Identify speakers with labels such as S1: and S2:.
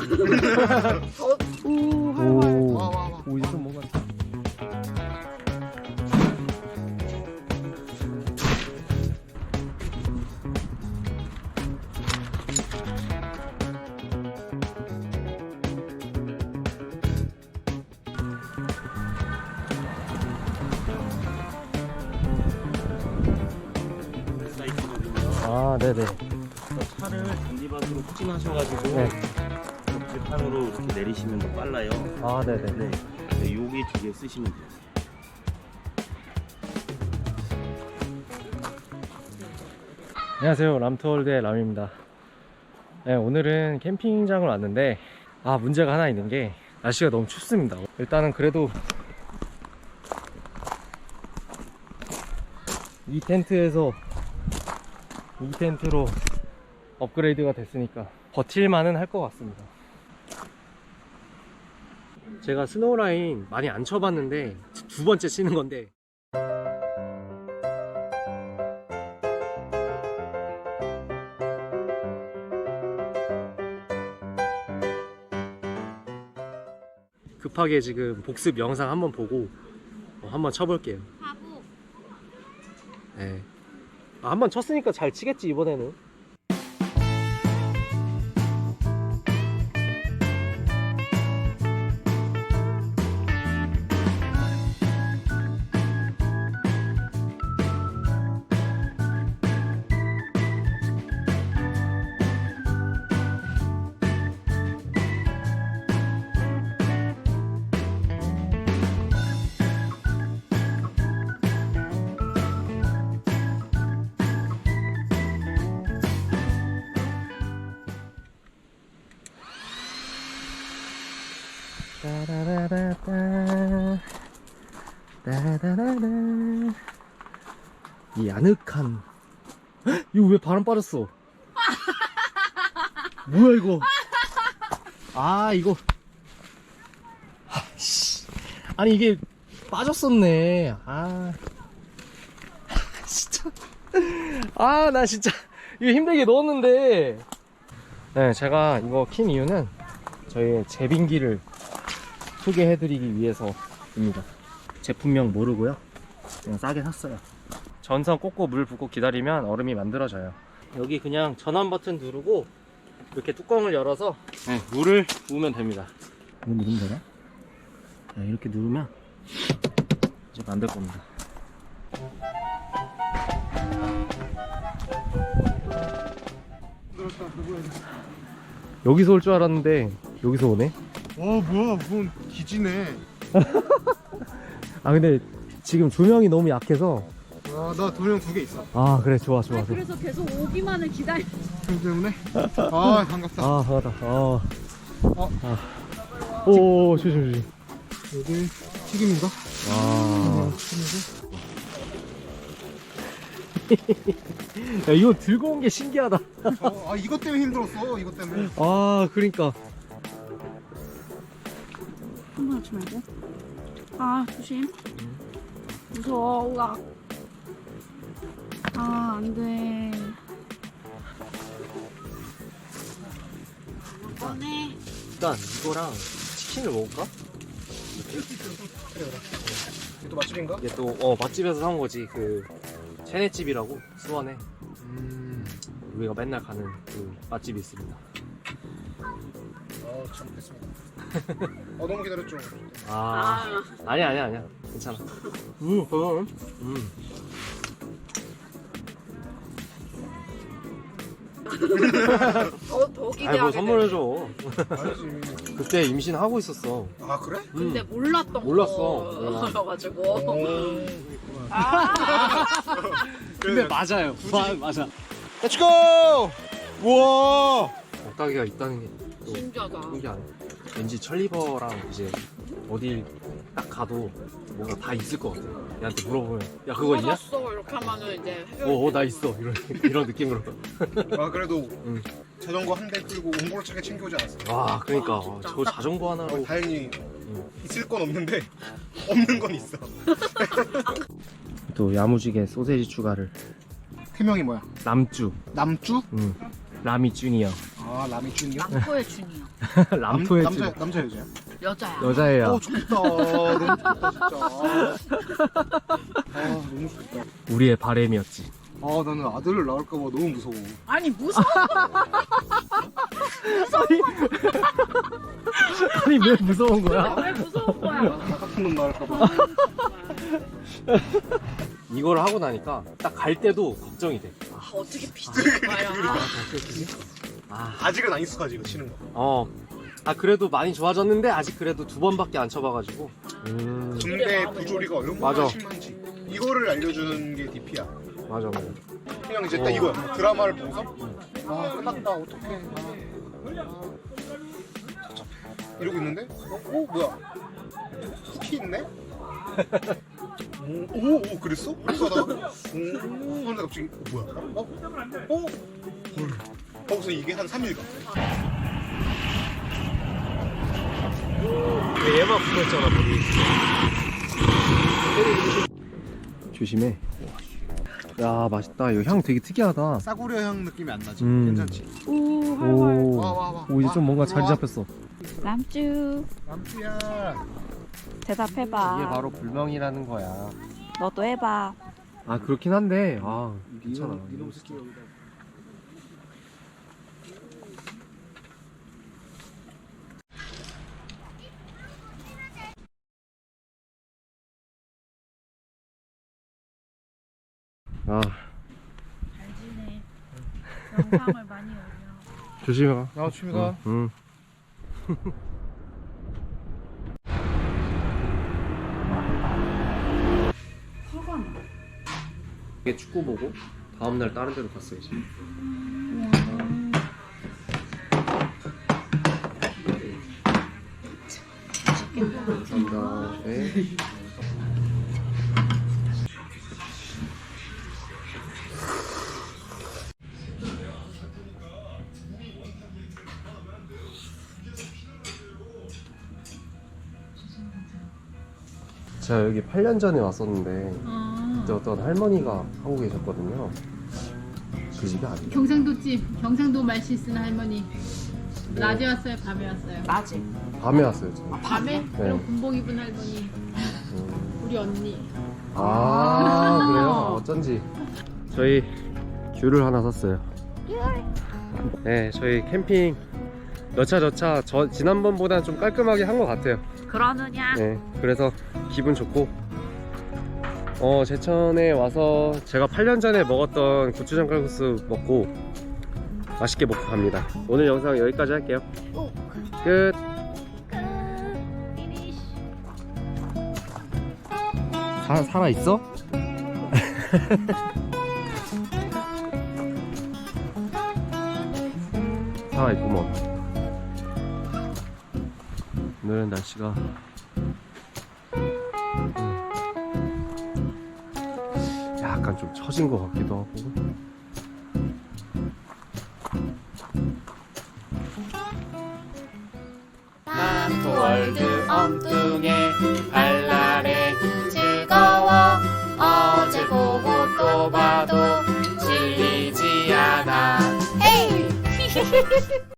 S1: 오, 이제 좀 뭔가. 아, 네네.
S2: 차를 잔디밭으로 후진하셔가지고
S1: 네.
S2: 들판으로 이렇게 내리시면 더 빨라요.
S1: 아, 네네.
S2: 네. 네, 여기 두 개 쓰시면 돼요.
S1: 안녕하세요. 람투월드의 람입니다. 네, 오늘은 캠핑장을 왔는데, 문제가 하나 있는 게, 날씨가 너무 춥습니다. 일단은 그래도, 이 텐트로 업그레이드가 됐으니까, 버틸만은 할 것 같습니다. 제가 스노우라인 많이 안 쳐봤는데, 두 번째 치는 건데, 급하게 지금 복습 영상 한번 보고 한번 쳐볼게요.
S3: 바보.
S1: 네. 한번 쳤으니까 잘 치겠지 이번에는. 따라라라따 따라라라. 이 아늑한. 헉? 이거 왜 바람 빠졌어? 뭐야 이거? 이거. 씨. 아니 이게 빠졌었네. 진짜. 나 진짜 이거 힘들게 넣었는데. 네, 제가 이거 킨 이유는 저희의 제빙기를 소개해드리기 위해서입니다. 제품명 모르고요, 그냥 싸게 샀어요. 전선 꽂고 물 붓고 기다리면 얼음이 만들어져요. 여기 그냥 전원 버튼 누르고 이렇게 뚜껑을 열어서 물을 부으면 됩니다. 이거 누르면 되나? 네, 이렇게 누르면 이제 만들 겁니다. 여기서 올 줄 알았는데 여기서 오네?
S4: 뭐야, 무슨 기지네.
S1: 근데 지금 조명이 너무 약해서.
S4: 나 도령 2개 있어.
S1: 그래, 좋아.
S3: 그래서 계속 오기만을 기다려.
S4: 형 때문에? 반갑다.
S1: 반갑다. 오, 조심.
S4: 여기 튀김인가?
S1: 야, 이거 들고 온 게 신기하다.
S4: 이것 때문에 힘들었어. 이것 때문에.
S1: 그러니까.
S3: 한번 하지 말고. 조심. 무서워. 우와. 안 돼. 꺼내.
S1: 일단 이거랑 치킨을 먹을까?
S4: 이것도 맛집인가?
S1: 이게 또 맛집에서 사온 거지. 그 체네집이라고 수원에 우리가 맨날 가는 그 맛집이 있습니다.
S4: 잘 먹겠습니다. 너무 기다렸죠.
S1: 아니야. 괜찮아. 그럼.
S3: 더 기대하게.
S1: 뭐 선물해줘.
S4: 알지.
S1: 그때 임신하고 있었어.
S4: 그래?
S3: 근데 몰랐던
S1: 몰랐어.
S3: 거여가지고.
S1: 근데 맞아요. 맞아.
S4: Let's go! 우와!
S1: 억다기가 있다는 게 또
S3: 신기하다.
S1: 신기하네. 왠지 천리버랑 이제 어딜 딱 가도 뭔가 다 있을 것 같아. 얘한테 물어보면 야 그거 있냐?
S3: 찾았어 이렇게 하면은 이제
S1: 나 있어. 이런 느낌으로.
S4: 그래도
S1: 응.
S4: 자전거 한 대 끌고 옹골차게 챙겨오지 않았어.
S1: 그러니까 저 자전거 하나로
S4: 다행히 있을 건 없는데 없는 건 있어.
S1: 또 야무지게 소세지 추가를.
S4: 팀명이 뭐야?
S1: 남쭈.
S4: 남주?
S1: 라미 주니어.
S4: 아 라미 준이요?
S3: 남포의 준이요.
S1: 람토의
S4: 남자 여자야?
S3: 여자야.
S1: 여자애야.
S4: 좋겠다. 너무 좋겠다 진짜. 너무 좋겠다.
S1: 우리의 바램이었지.
S4: 나는 아들을 낳을까봐 너무 무서워.
S3: 아니 무서워.
S1: 아니 왜 무서운 거야?
S3: 왜 무서운 거야?
S4: 나 같은 놈 낳을까봐.
S1: 이걸 하고 나니까 딱 갈 때도 걱정이 돼.
S3: 어떻게 비슷한 거야?
S4: 아직은 안 익숙하지 이거 치는 거.
S1: 그래도 많이 좋아졌는데 아직 그래도 2번밖에 안 쳐봐가지고.
S4: 군대 부조리가 얼마나
S1: 맞아.
S4: 심한지 이거를 알려주는 게 DP야.
S1: 맞아.
S4: 그냥 이제 딱 이거야. 드라마를 보고서 끝났다 어떡해. 이러고 있는데 뭐야 쿠키 있네? 오 그랬어? 그래서 하다가 하는데 갑자기 뭐야? 헐. 거기서 이게 한 3일 가.
S1: 얘만 붙어있잖아 머리. 조심해. 야 맛있다. 이거 향 되게 특이하다.
S4: 싸구려 향 느낌이 안 나지?
S1: 괜찮지?
S4: 와.
S1: 오 이제 좀 뭔가 자리 잡혔어.
S5: 남주
S4: 남주야.
S5: 대답해봐.
S1: 이게 바로 불멍이라는 거야.
S5: 너도 해봐.
S1: 그렇긴 한데 괜찮아.
S4: 이놈 새끼 여기다.
S3: 잘 지내. 영상을 많이 올려.
S1: 조심해 가.
S4: 조심히 가.
S1: 응. 이게 축구 보고 다음날 다른 데로 갔어야지. 감사합니다. 네. 제가 여기 8년 전에 왔었는데 그때 어떤 할머니가 하고 계셨거든요. 그 집이 아니에요.
S6: 경상도집, 경상도 말씨 쓰는 할머니. 낮에 왔어요, 밤에 왔어요?
S3: 낮에.
S1: 밤에 왔어요 지금.
S6: 밤에? 그럼 군복 입은 할머니. 우리 언니.
S1: 그래요? 어쩐지. 저희 귤을 하나 샀어요. 네, 저희 캠핑 여차 지난번보다는 좀 깔끔하게 한 것 같아요.
S3: 그러느냐?
S1: 네, 그래서 기분 좋고 제천에 와서 제가 8년 전에 먹었던 고추장 칼국수 먹고 맛있게 먹고 갑니다. 오늘 영상 여기까지 할게요. 끝. 살아있어? 살아있구먼. 오늘은 날씨가 약간 좀 처진 것 같기도 하고.
S7: 월드 엉뚱해 발랄해 즐거워 어제 보고 또 봐도 질리지 않아 헤이